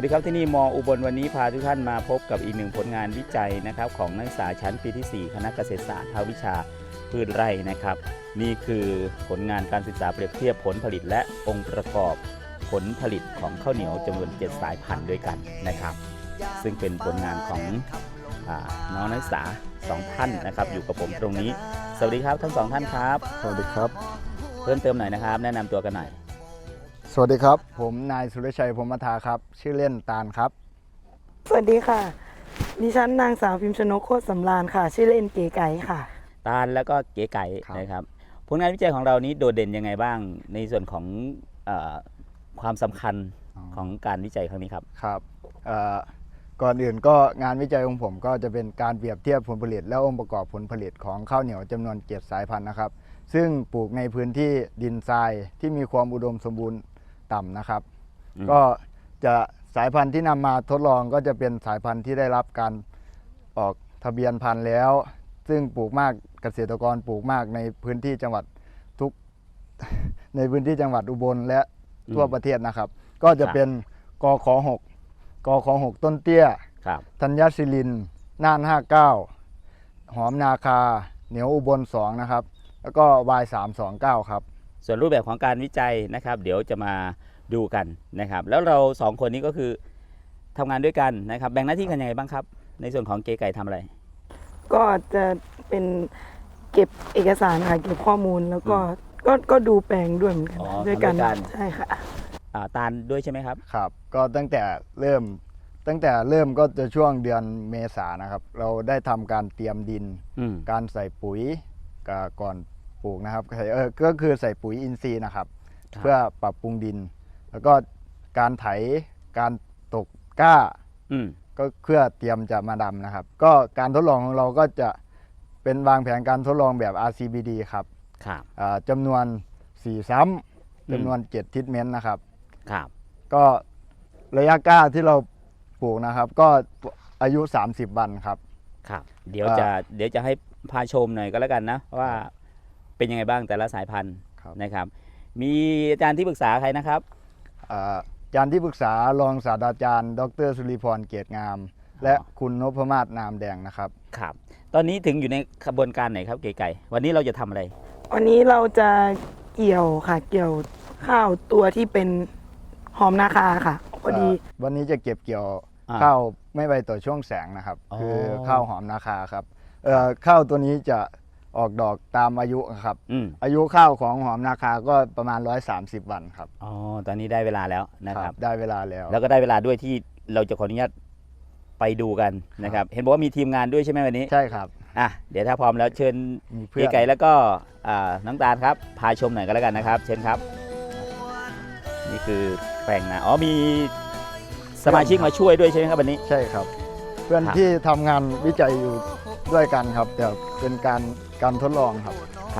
วัสดีครับที่นี่มอุบลวันนี้พาทุกท่านมาพบกับอีกหนึ่งผลงานวิจัยนะครับของนักศึกษาชั้นปีที่ 4 คณะเกษตรศาสตร์ภาควิชาพืชไร่นะครับนี่คือผลงานการศึกษาเปรียบเทียบผลผลิตและองค์ประกอบผลผลิตของข้าวเหนียวจำนวน 7 สายพันธุ์ด้วยกันนะครับซึ่งเป็นผลงานของน้องนักศึกษา2 ท่านนะครับอยู่กับผมตรงนี้สวัสดีครับทั้ง2 ท่านครับสวัสดีครับเพิ่มเติมหน่อยนะครับแนะนำตัวกันหน่อยสวัสดีครับผมนายสุรชัยพรหมทาครับชื่อเล่นตาลครับสวัสดีค่ะดิฉันนางสาวพิมพ์ชนกโคตรสำราญค่ะชื่อเล่นเก๋ไก่ค่ะตาลแล้วก็เก๋ไก่นะครับผลงานวิจัยของเรานี้โดดเด่นยังไงบ้างในส่วนของความสำคัญของการวิจัยครั้งนี้ครับครับก่อนอื่นก็งานวิจัยของผมก็จะเป็นการเปรียบเทียบผลผลิตและองค์ประกอบผลผลิตของข้าวเหนียวจำนวน7 สายพันธุ์นะครับซึ่งปลูกในพื้นที่ดินทรายที่มีความอุดมสมบูรณ์ต่ำนะครับก็จะสายพันธุ์ที่นำมาทดลองก็จะเป็นสายพันธุ์ที่ได้รับการออกทะเบียนพันธุ์แล้วซึ่งปลูกมากเกษตรกรปลูกมากในพื้นที่จังหวัดในพื้นที่จังหวัดอุบลและทั่วประเทศนะครับก็จะเป็นกข6กข6ต้นเตี้ยธัญศิรินน่าน59หอมนาคาเหนียวอุบล2นะครับแล้วก็Y329ครับส่วนรูปแบบของการวิจัยนะครับเดี๋ยวจะมาดูกันนะครับแล้วเรา2 คนนี้ก็คือทำงานด้วยกันนะครับแบ่งหน้าที่กันยังไงบ้างครับในส่วนของเก๋ไก่ทำอะไรก็จะเป็นเก็บเอกสารค่ะเก็บข้อมูลแล้วก็ดูแปลงด้วยเหมือนกันด้วยกันใช่ค่ะตาลด้วยใช่ไหมครับครับก็ตั้งแต่เริ่มก็จะช่วงเดือนเมษายนนะครับเราได้ทำการเตรียมดินการใส่ปุ๋ยก่อนปลูกนะครับก็คือใส่ปุ๋ยอินทรีย์นะครับเพื่อปรับปรุงดินแล้วก็การไถการตกก้าก็เพื่อเตรียมจะมาดำนะครับก็การทดลองของเราก็จะเป็นวางแผนการทดลองแบบ RCBD ครับจำนวน4 ซ้ำจำนวน7 ทิศเม้นนะครับก็ระยะก้าที่เราปลูกนะครับก็อายุ30 วันครับเดี๋ยวจะให้พาชมหน่อยก็แล้วกันนะว่าเป็นยังไงบ้างแต่ละสายพันธุ์นะครับมีอาจารย์ที่ปรึกษาใครนะครับอาจารย์ที่ปรึกษารองศาสตราจารย์ดร.สุริพรเกียรติงามและคุณนพมาศนามแดงนะครับตอนนี้ถึงอยู่ในขบวนการไหนครับเก๋ไก่วันนี้เราจะทำอะไรวันนี้เราจะเกี่ยวข้าวตัวที่เป็นหอมนาคาค่ะพอดีวันนี้จะเก็บเกี่ยวข้าวไม่ใบต่อช่วงแสงนะครับคือข้าวหอมนาคาครับข้าวตัวนี้จะออกดอกตามอายุครับอายุข้าวของหอมนาคาก็ประมาณ130 วันครับตอนนี้ได้เวลาแล้วนะครับได้เวลาแล้วแล้วก็ได้เวลาด้วยที่เราจะขออนุญาตไปดูกันนะครับเห็นบอกว่ามีทีมงานด้วยใช่ไหมวันนี้ใช่ครับเดี๋ยวถ้าพร้อมแล้วเชิญเก๋ไก่แล้วก็น้องตาลครับพาชมหน่อยก็แล้วกันนะครับเชิญครับนี่คือแปลงนามีสมาชิกมาช่วยด้วยใช่ไหมครับวันนี้ใช่ครับเพื่อนที่ทำงานวิจัยอยู่ด้วยกันครับแต่เป็นการทดลองครับ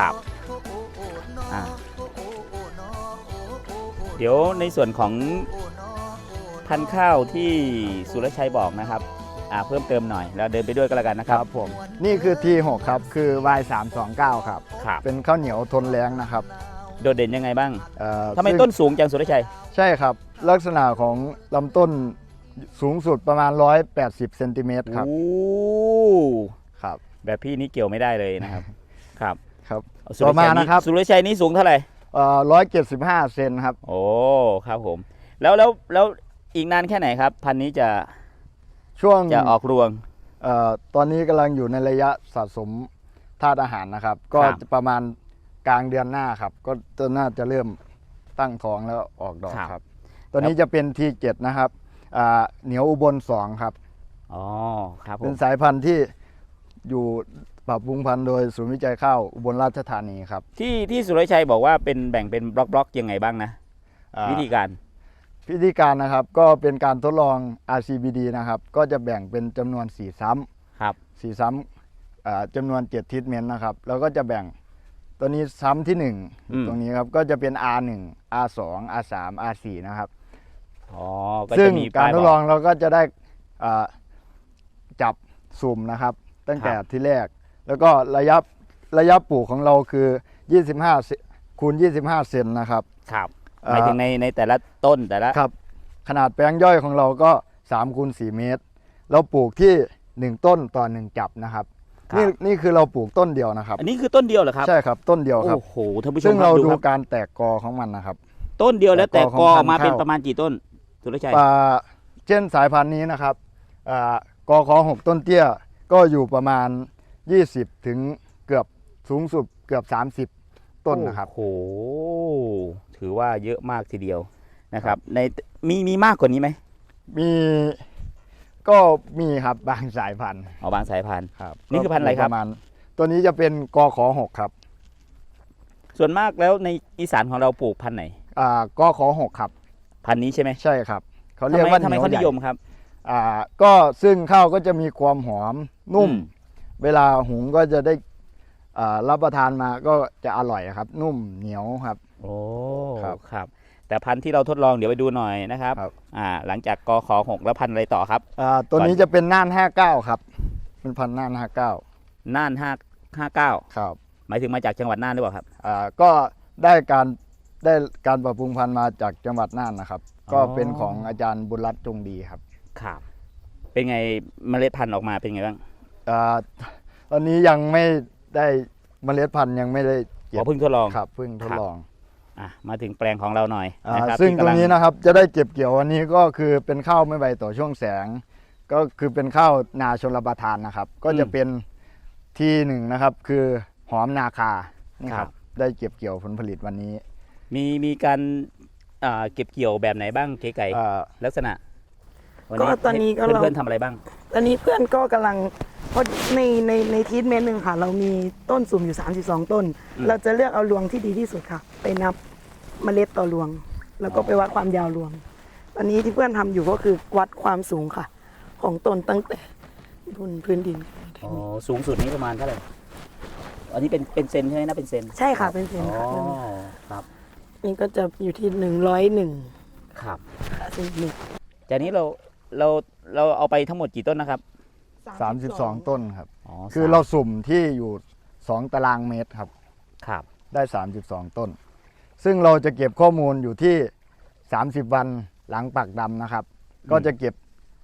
เดี๋ยวในส่วนของพันธุ์ข้าวที่สุรชัยบอกนะครับเพิ่มเติมหน่อยแล้วเดินไปด้วยก็แล้วกันนะครับผมนี่คือ T6 ครับคือ Y329 ครับเป็นข้าวเหนียวทนแล้งนะครับโดดเด่นยังไงบ้างทำไมต้นสูงจังสุรชัยใช่ครับลักษณะของลำต้นสูงสุดประมาณ180 เซนติเมตรครับครับแบบพี่นี่เกี่ยวไม่ได้เลยนะครับครับต่อมานะครับสุรชัยนี่สูงเท่าไหร่ 175 เซนครับโอ้ครับผมแล้วอีกนานแค่ไหนครับพันนี้จะออกรวงตอนนี้กำลังอยู่ในระยะสะสมธาตุอาหารนะครับก็ประมาณกลางเดือนหน้าครับก็น่าจะเริ่มตั้งท้องแล้วออกดอกครับตัวนี้จะเป็น T7 นะครับเหนียวอุบล2ครับครับเป็นสายพันธุ์ที่อยู่ปรับปรุงพันธุ์โดยศูนย์วิจัยข้าวอุบลราชธานีครับที่สุรชัยบอกว่าเป็นแบ่งเป็นบล็อกยังไงบ้างนะวิธีการนะครับก็เป็นการทดลอง RCBD นะครับก็จะแบ่งเป็นจำนวน4 ซ้ำ4 ซ้ำจำนวน7 ทิศเม้นนะครับแล้วก็จะแบ่งตัวนี้ซ้ำที่1ตรงนี้ครับก็จะเป็น R1 R2 R3 R4 นะครับซึ่งการทดลองเราก็จะได้จับสุ่มนะครับตั้งแต่ที่แรกแล้วก็ระยะปลูกของเราคือ25 คูณ 25 เซนนะครับหมายถึงในแต่ละต้นแต่ละครับขนาดแปลงย่อยของเราก็3 คูณ 4 เมตรเราปลูกที่1 ต้นต่อ 1 จับนะครับครับนี่คือเราปลูกต้นเดียวนะครับอันนี้คือต้นเดียวเหรอครับใช่ครับต้นเดียวครับโอ้โหท่านผู้ชซึ่มงครัเราบดูครับการแตกกอของมันนะครับต้นเดียวแล้วแต่แต่กกออของออกมาพันธุ์เป็นข้าวประมาณกี่ต้นสุรชัยเช่นสายพันธุ์นี้นะครับกข6ต้นเตี้ยก็อยู่ประมาณ20ถึงเกือบสูงสุดเกือบ30 ต้นนะครับโอ้โหถือว่าเยอะมากทีเดียวนะครับในมีมากกว่านี้ไหมมีก็มีครับบางสายพันธุ์บางสายพันธุ์ครับนี่คือพันธุ์อะไรครับปมาณตัวนี้จะเป็นกข6ครับส่วนมากแล้วในอีสานของเราปลูกพันธุ์ไหนกข6ครับพันธุ์นี้ใช่ไหมใช่ครับเขาเรียกว่าทำไมเขานิยมครับก็ซึ่งข้าวก็จะมีความหอมนุ่มอืมเวลาหุงก็จะได้รับประทานมาก็จะอร่อยครับ นุ่มเหนียวครับโอ้ครับครับ แต่พันธุ์ที่เราทดลองเดี๋ยวไปดูหน่อยนะครับครับหลังจากกข6แล้วพันธุ์อะไรต่อครับตัวนี้จะเป็นน่าน59ครับเป็นพันธุ์น่าน59 น่าน559 ครับหมายถึงมาจากจังหวัดน่านหรือเปล่าครับก็ได้การปรับปรุงพันธุ์มาจากจังหวัดน่านนะครับ ก็เป็นของอาจารย์บุญรัตน์จงดีครับครับ เป็นไงเมล็ดพันธุ์ออกมาเป็นไงบ้างตอนนี้ยังไม่ได้เมล็ดพันธุ์ยังไม่ได้ขอเพิ่งทดลองครับเพิ่งทดลองมาถึงแปลงของเราหน่อยนะครับซึ่งที่ตรกำลังนี้นะครับจะได้เก็บเกี่ยววันนี้ก็คือเป็นข้าวไม่ใบต่อช่วงแสง ก็คือเป็นข้าวนาชนรับประทานนะครับ ก็จะเป็นที่หนึ่งนะครับคือหอมนาคานี่ครับได้เก็บเกี่ยวผลผลิตวันนี้มีการเก็บเกี่ยวแบบไหนบ้างเก๋ไก่ ลักษณะวัก็ตอนนี้ก็เราเพื่อนๆทำอะไรบ้างตอนนี้เพื่อนก็กำลังเพราะในทีทเมนต์หนึ่งค่ะ เรามีต้นสุ่มอยู่32 ต้น เราจะเลือกเอารวงที่ดีที่สุดค่ะ ไปนับเมล็ดต่อรวง แล้วก็ไปวัดความยาวรวง ตอนนี้ที่เพื่อนทำอยู่ก็คือวัดความสูงค่ะ ของต้นตั้งแต่บนพื้นดินสูงสุดนี้ประมาณเท่าไหร่ อันนี้เป็นเซนใช่ไหมนะเป็นเซนใช่ค่ะเป็นเซนค่ะครับนี่ก็จะอยู่ที่101 ครับค่ะเซนติเมตรจากนี้เราเอาไปทั้งหมดกี่ต้นนะครับ 32 ต้นครับอ๋อคือเราสุ่มที่อยู่2 ตารางเมตรครับครับได้ 32 ต้น ซึ่งเราจะเก็บข้อมูลอยู่ที่30 วันหลังปักดำนะครับ ก็จะเก็บ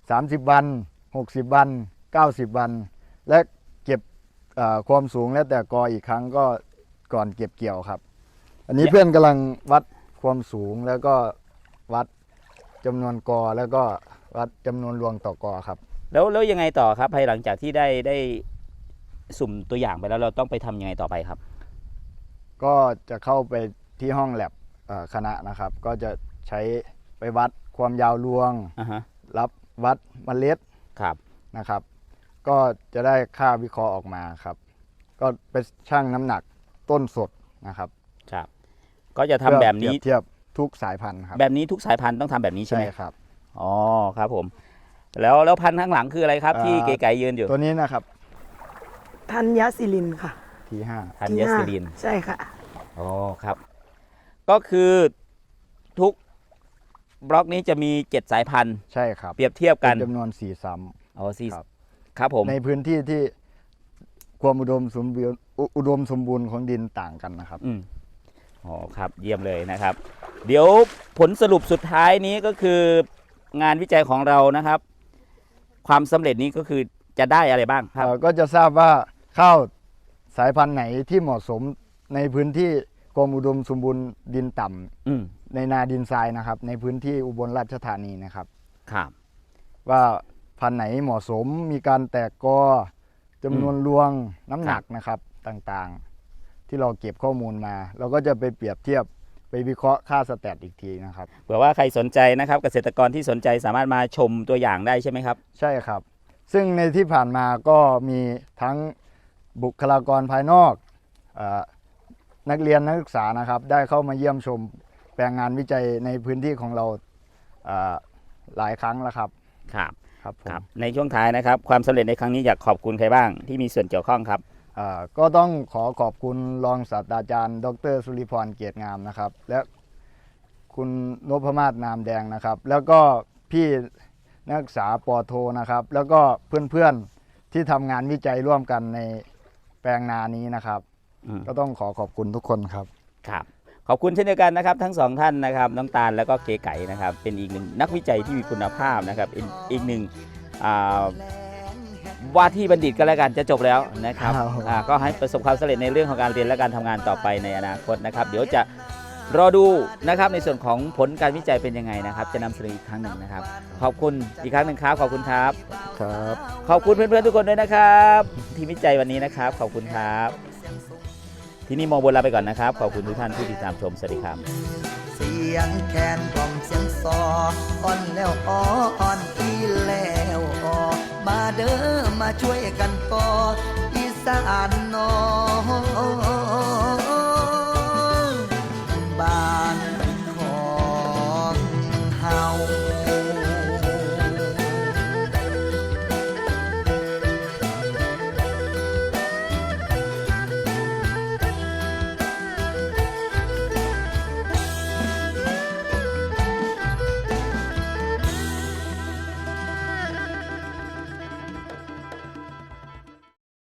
30 วัน60 วัน90 วัน และเก็บความสูงแล้วแต่กออีกครั้งก็ก่อนเก็บเกี่ยวครับ อันนี้เพื่อนกำลังวัดความสูงแล้วก็วัดจำนวนกอแล้วก็วัดจำนวนรวงต่อกอครับแล้วยังไงต่อครับภายหลังจากที่ได้สุ่มตัวอย่างไปแล้วเราต้องไปทำยังไงต่อไปครับก็จะเข้าไปที่ห้องแลบคณะนะครับ ก็จะใช้ไปวัดความยาวรวง รับวัดเมล็ดครับนะครับ ก็จะได้ค่าวิเคราะห์ออกมาครับ ก็ไปชั่งน้ำหนักต้นสดนะครับครับ ก็จะทำแบบนี้เพื่อเปรียบเทียบทุกสายพันธุ์ครับแบบนี้ทุกสายพันธุ์ต้องทำแบบนี้ใช่ไหมครับอ๋อครับผม แล้วพันธุ์ข้างหลังคืออะไรครับ ที่เก๋ไก่ยืนอยู่ตัวนี้นะครับธัญศิลินค่ะ T5 ธัญศิรินใช่ค่ะอ๋อครับ ก็คือทุกบล็อกนี้จะมี7สายพันธุ์ใช่ครับเปรียบเทียบกันเป็นจำนวน4ซ้อ๋อสี่ครับครับผมำในพื้นที่ที่ความอุดมสมบูรณ์ของดินต่างกันนะครับอ๋อครับเยี่ยมเลยนะครับ เดี๋ยวผลสรุปสุดท้ายนี้ก็คืองานวิจัยของเรานะครับ ความสำเร็จนี้ก็คือจะได้อะไรบ้างครับก็จะทราบว่าข้าวสายพันธุ์ไหนที่เหมาะสมในพื้นที่กรมอุดมสมบูรณ์ดินต่ำในนาดินทรายนะครับ ในพื้นที่อุบลราชธานีนะครับครับว่าพันธุ์ไหนเหมาะสมมีการแตกกอจำนวนรวงน้ำหนักนะครับต่างๆ ที่เราเก็บข้อมูลมา เราก็จะไปเปรียบเทียบไปวิเคราะห์ค่าสแตทอีกทีนะครับเผื่อว่าใครสนใจนะครับ เกษตรกรที่สนใจสามารถมาชมตัวอย่างได้ใช่ไหมครับใช่ครับ ซึ่งในที่ผ่านมาก็มีทั้งบุคลากรภายนอกนักเรียนนักศึกษานะครับได้เข้ามาเยี่ยมชมแปลงงานวิจัยในพื้นที่ของเราหลายครั้งแล้วครับครับครับผมครับในช่วงท้ายนะครับ ความสำเร็จในครั้งนี้อยากขอบคุณใครบ้างที่มีส่วนเกี่ยวข้องครับก็ต้องขอบคุณรองศาสตราจารย์ ดร.สุริพรเกียรติงามนะครับ และคุณนพมาศนามแดงนะครับ แล้วก็พี่นักศึกษาปอโทนะครับ แล้วก็เพื่อนๆที่ทำงานวิจัยร่วมกันในแปลงนานี้นะครับ ก็ต้องขอบคุณทุกคนครับครับขอบคุณเช่นเดียวกันนะครับทั้งสองท่านนะครับน้องตาลแล้วก็เก๋ไก่นะครับเป็นอีกหนึ่งนักวิจัยที่มีคุณภาพนะครับอีกหนึ่งว่าที่บัณฑิตก็แล้วกันจะจบแล้วนะครับ ก็ให้ประสบความสำเร็จในเรื่องของการเรียนและการทำงานต่อไปในอนาคตนะครับเดี๋ยวจะรอดูนะครับในส่วนของผลการวิจัยเป็นยังไงนะครับจะนำเสนออีกครั้งหนึ่งนะครับขอบคุณอีกครั้งหนึ่งครับขอบคุณครับครับขอบคุณเพื่อนๆทุกคนด้วยนะครับที่วิจัยวันนี้นะครับขอบคุณครับที่นี่มองบนลาไปก่อนนะครับขอบคุณทุกท่านที่ติดตามชมสวัสดีครับเสียงแคนกล่อมเสียงซออ่อนแล้วอ่อนอีแล้วมาเด้อมาช่วยกันก่ออีสานนอ